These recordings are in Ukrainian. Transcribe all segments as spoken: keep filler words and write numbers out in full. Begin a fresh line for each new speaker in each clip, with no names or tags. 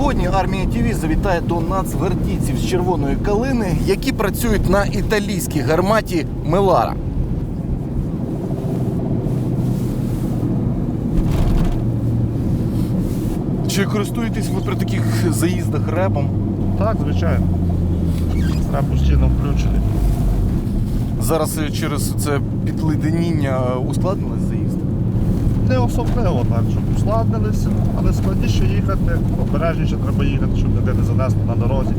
Сьогодні Армія ТІВІ завітає до нацгвардійців з Червоної Калини, які працюють на італійській гарматі «Мелара». Чи користуєтесь ви при таких заїздах ребом?
Так, звичайно. Реб постійно включений.
Зараз через це підледеніння ускладнилось заїзд?
Не особливо так, щоб ускладнилися, але складніше їхати, обережніше треба їхати, щоб ніде не занесло на дорозі.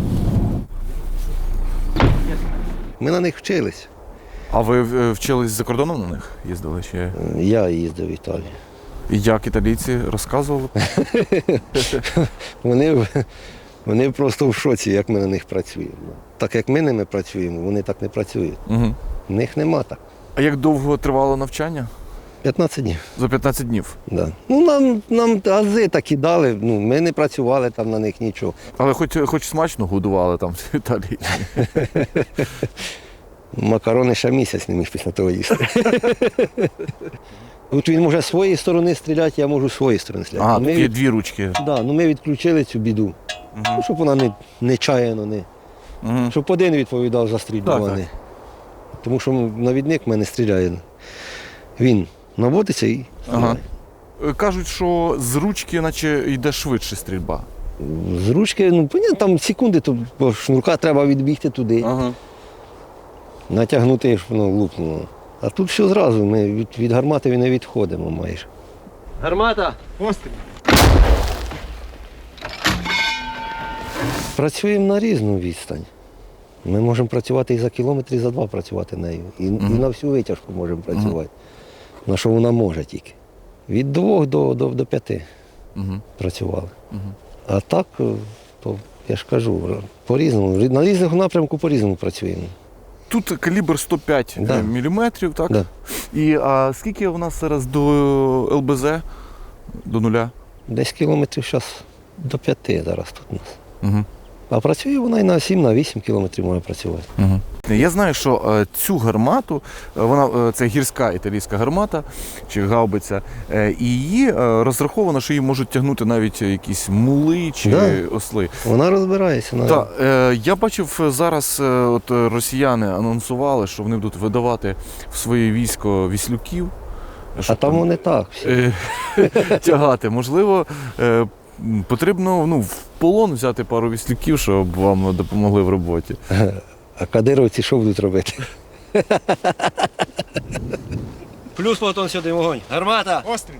Ми на них вчились.
А ви е, вчились за кордоном на них? Їздили чи?
Я їздив в Італію.
І як італійці розказували?
Вони, вони просто в шоці, як ми на них працюємо. Так як ми ними працюємо, вони так не працюють.
Угу.
В них нема так.
А як довго тривало навчання?
п'ятнадцять днів.
За п'ятнадцять днів.
Да. Ну, нам, нам ази такі дали, ну, ми не працювали там на них нічого.
Але хоч, хоч смачно годували там в Італії.
Макарони ще місяць не міг після того їсти. От він може з своєї сторони стріляти, я можу з своєї сторони стріляти.
А,
ми
тут є
від...
дві ручки.
да, ну, ми відключили цю біду,
Угу.
ну, щоб вона не, не чаяно, не...
Угу.
щоб один відповідав за стрільбу,
Так,
а
так.
не. Тому що навідник в мене стріляє. Він наводиться і
Ага.
стріляє.
Кажуть, що з ручки наче йде швидше стрільба.
З ручки, ну, понятно, там секунди, то бо шнурка треба відбігти туди,
Ага.
натягнути, щоб воно лупнуло. А тут все зразу, ми від, від гармати не відходимо майже.
Гармата!
Постріл!
Працюємо на різну відстань. Ми можемо працювати і за кілометр, і за два працювати нею. І,
Мгм.
і на всю витяжку можемо працювати. На що вона може тільки. Від двох до, до, до п'яти
Угу.
працювали.
Угу.
А так, то я ж кажу, по-різному. На різних напрямку по-різному працюємо.
Тут калібр сто п'ять
Да.
міліметрів, так?
Да.
І а скільки у нас зараз до ел бе зет? До нуля?
Десь кілометрів зараз до п'яти зараз тут у нас.
Угу.
А працює вона і на сім, на вісім кілометрів може працювати.
Угу. Я знаю, що е, цю гармату, е, вона е, це гірська італійська гармата чи гаубиця, е, і її е, розраховано, що її можуть тягнути навіть якісь мули чи
Да.
осли.
Вона розбирається. На...
Так, е, я бачив зараз, е, от е, росіяни анонсували, що вони будуть видавати в своє військо віслюків.
А
щоб
там вони так. Всі.
е, тягати. Можливо, е, потрібно ну, в полон взяти пару віслюків, щоб вам допомогли в роботі.
А кадировці що будуть робити?
Плюс Платон сюди вогонь. Гармата!
Постріл!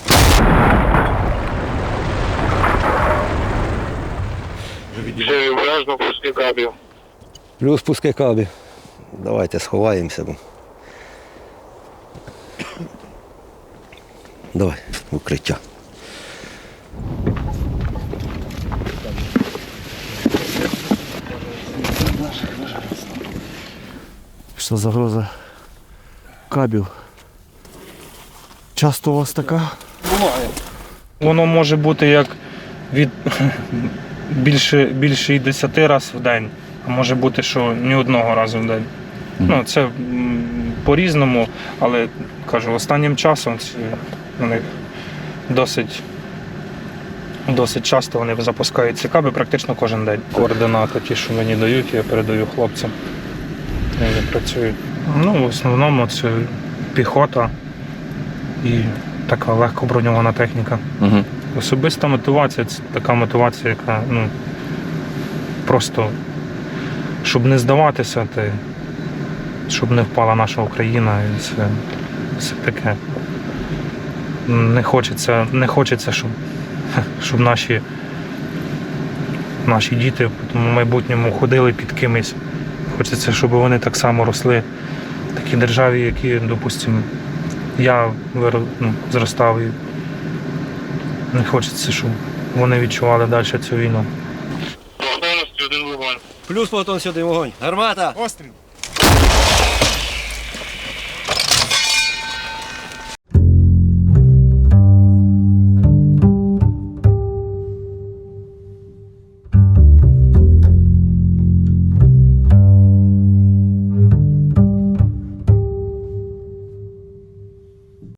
Все, обережно пусти кабів.
Плюс пуски кабів. Давайте сховаємося. Бо... Давай, в укриття.
Що загроза кабів. Часто у вас така?
Воно може бути як від більше, більше і десяти разів в день, а може бути, що ні одного разу в день. Ну, це м, по-різному, але кажу, останнім часом це, вони досить, досить часто вони запускають ці каби практично кожен день. Координати ті, що мені дають, я передаю хлопцям. Вони працюють. Ну, в основному це піхота і така легко броньована техніка.
Угу.
Особиста мотивація це така мотивація, яка ну, просто, щоб не здаватися, ти, щоб не впала наша Україна. І це, це таке. Не хочеться, не хочеться, щоб, щоб наші, наші діти в майбутньому ходили під кимось. Хочеться, щоб вони так само росли в такій державі, які, допустимо, я вирос, ну, зростав і не хочеться, щоб вони відчували далі цю війну.
Готовності один вогонь.
Плюс Платон сюди вогонь. Гармата!
Постріл!